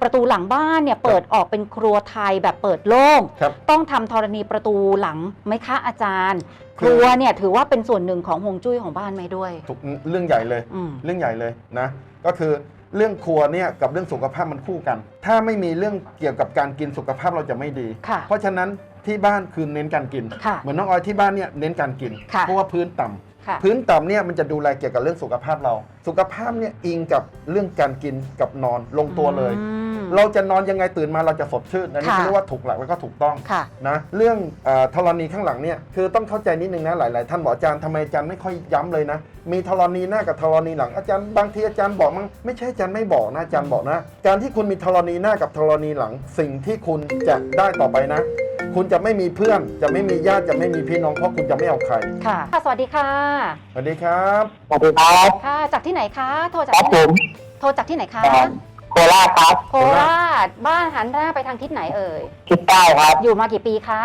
ประตูหลังบ้านเนี่ยเปิดออกเป็นครัวไทยแบบเปิดโล่งต้องทำธรณีประตูหลังไหมคะอาจารย์ครัวเนี่ยถือว่าเป็นส่วนหนึ่งของฮวงจุ้ยของบ้านไหมด้วยเรื่องใหญ่เลยเรื่องใหญ่เลยนะก็คือเรื่องครัวเนี่ยกับเรื่องสุขภาพมันคู่กันถ้าไม่มีเรื่องเกี่ยวกับการกินสุขภาพเราจะไม่ดีเพราะฉะนั้นที่บ้านคือเน้นการกินเหมือนน้องออยที่บ้านเนี่ยเน้นการกินเพราะว่าพื้นต่ำเนี่ยมันจะดูแลเกี่ยวกับเรื่องสุขภาพเราสุขภาพเนี่ยอิงกับเรื่องการกินกับนอนลงตัวเลยเราจะนอนยังไงตื่นมาเราจะสดชื่นอันนี้เรียกว่าถูกหลักแล้วก็ถูกต้องนะเรื่องธรณีข้างหลังเนี่ยคือต้องเข้าใจนิดนึงนะหลายๆท่านบอกอาจารย์ทำไมอาจารย์ไม่ค่อยย้ำเลยนะมีธรณีหน้ากับธรณีหลังอาจารย์บางทีอาจารย์บอกมั้งไม่ใช่อาจารย์ไม่บอกนะอาจารย์บอกนะการที่คุณมีธรณีหน้ากับธรณีหลังสิ่งที่คุณจะได้ต่อไปนะคุณจะไม่มีเพื่อนจะไม่มีญาติจะไม่มีพี่น้องเพราะคุณจะไม่เอาใครค่ะสวัสดีค่ะสวัสดีครับสวัสดีครับค่ะจากที่ไหนคะโทรจากที่ไหนโทรจากที่ไหนคะโคราชครับโคราชบ้านหันหน้าไปทางทิศไหนเอ่ยทิศใต้ครับอยู่มากี่ปีคะ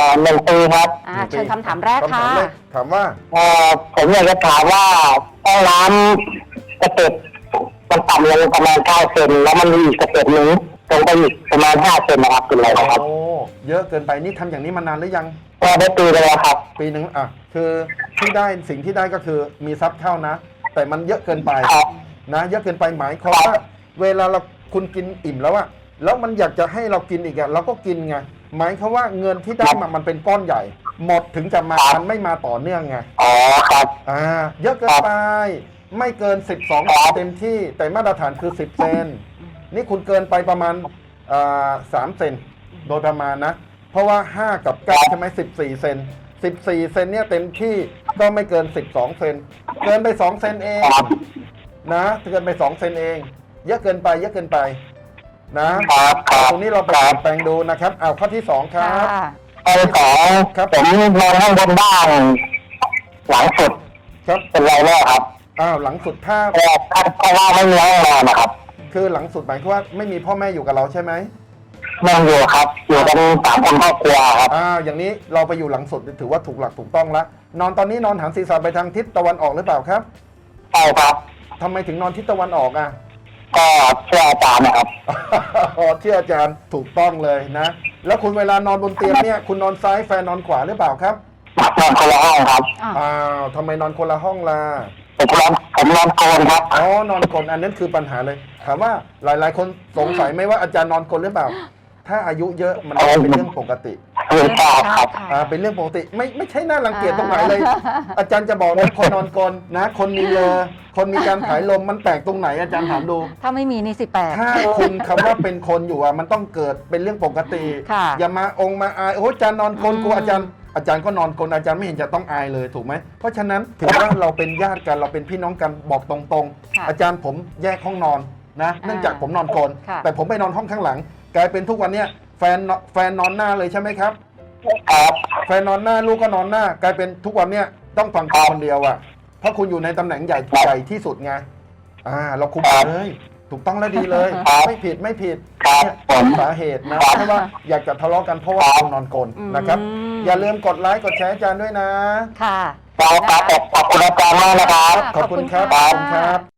1 ปีครับเชิญคำถามแรกค่ะถามว่าผมอยากจะถามว่าห้องน้ำสเต็ปมันต่ำลงประมาณ9 เซนแล้วมันมีอีกสเต็ปหนึ่งตรงไปอีกประมาณ5 เซนนะครับเป็นไรครับโอ้เยอะเกินไปนี่ทำอย่างนี้มานานหรือยังได้ปีแล้วครับปีหนึ่งคือที่ได้สิ่งที่ได้ก็คือมีทรัพย์เข้านะแต่มันเยอะเกินไปนะเยอะเกินไปหมายความว่าเวลาเราคุณกินอิ่มแล้วอะแล้วมันอยากจะให้เรากินอีกอะเราก็กินไงหมายความว่าเงินที่ได้มามันเป็นก้อนใหญ่หมดถึงจะมามันไม่มาต่อเนื่องไงอ๋อครับเยอะเกินไปไม่เกิน12เต็มที่แต่มาตรฐานคือ10 เซนนี่คุณเกินไปประมาณ3 เซนโดยประมาณนะเพราะว่า5กับ9ใช่ไหม14 เซน14 เซนเนี่ยเต็มที่ก็ไม่เกิน12 เซนเกินไป2 เซนเองนะเกินไป2 เซนเองเยอะเกินไปนะตรงนี้เราไปแปลงดูนะครับเอาข้อที่2ครับข้อที่2ครับผมนอนข้างบนบ้านหลังสุดครับเป็นไรแน่ครับหลังสุดถ้าว่าไม่มีห้องนอนนะครับคือหลังสุดหมายความว่าไม่มีพ่อแม่อยู่กับเราใช่ไหมไม่อยู่ครับอยู่กัน3 คนครอบครัวครับอย่างนี้เราไปอยู่หลังสุดถือว่าถูกหลักถูกต้องแล้วนอนตอนนี้นอนหันศีรษะไปทางทิศตะวันออกหรือเปล่าครับใช่ครับทำไมถึงนอนทิศตะวันออกก็เชื่ออาจารย์นะครับเชื่ออาจารย์ถูกต้องเลยนะแล้วคุณเวลานอนบนเตียงเนี่ยคุณนอนซ้ายแฟนนอนขวาหรือเปล่าครับนอนคนละห้องครับทำไมนอนคนละห้องล่ะผมนอนโกนครับนอนโกนอันนั้นคือปัญหาเลยถามว่าหลายๆคนสงสัยไหมว่าอาจารย์นอนโกนหรือเปล่าถ้าอายุเยอะมันเป็นเรื่องปกติเป็นเรื่องปกติไม่ใช่น่ารังเกียจตรงไหนเลยอาจารย์จะบอกนะคนนอนกลนนะคนมีเลอคนมีการถ่ายลมมันแปลกตรงไหนอาจารย์ถามดูถ้าไม่มีนี่สิแปลกถ้าคุณคำว่าเป็นคนอยู่มันต้องเกิดเป็นเรื่องปกติอย่ามามาอายโอ้อาจารย์นอนกลนกูอาจารย์ก็นอนกลนอาจารย์ไม่เห็นจะต้องอายเลยถูกไหมเพราะฉะนั้นถือว่าเราเป็นญาติกันเราเป็นพี่น้องกันบอกตรงๆอาจารย์ผมแยกห้องนอนนะเนื่องจากผมนอนกลนแต่ผมไปนอนห้องข้างหลังกลายเป็นทุกวันเนี้ยแฟนนอนหน้าเลยใช่ไหมครับแฟนนอนหน้าลูกก็นอนหน้ากลายเป็นทุกวันเนี้ยต้องฟังคนเดียวเพราะคุณอยู่ในตำแหน่งใหญ่ที่สุดไงเราคุมเลยถูกต้องและดีเลยไม่ผิดเนี่ยสาเหตุนะเพราะว่าอยากจะทะเลาะกันเพราะว่าคุณนอนกลนนะครับอย่าลืมกดไลค์กดแชร์อาจารย์ด้วยนะค่ะขอบคุณอาจารย์มากนะครับขอบคุณครับ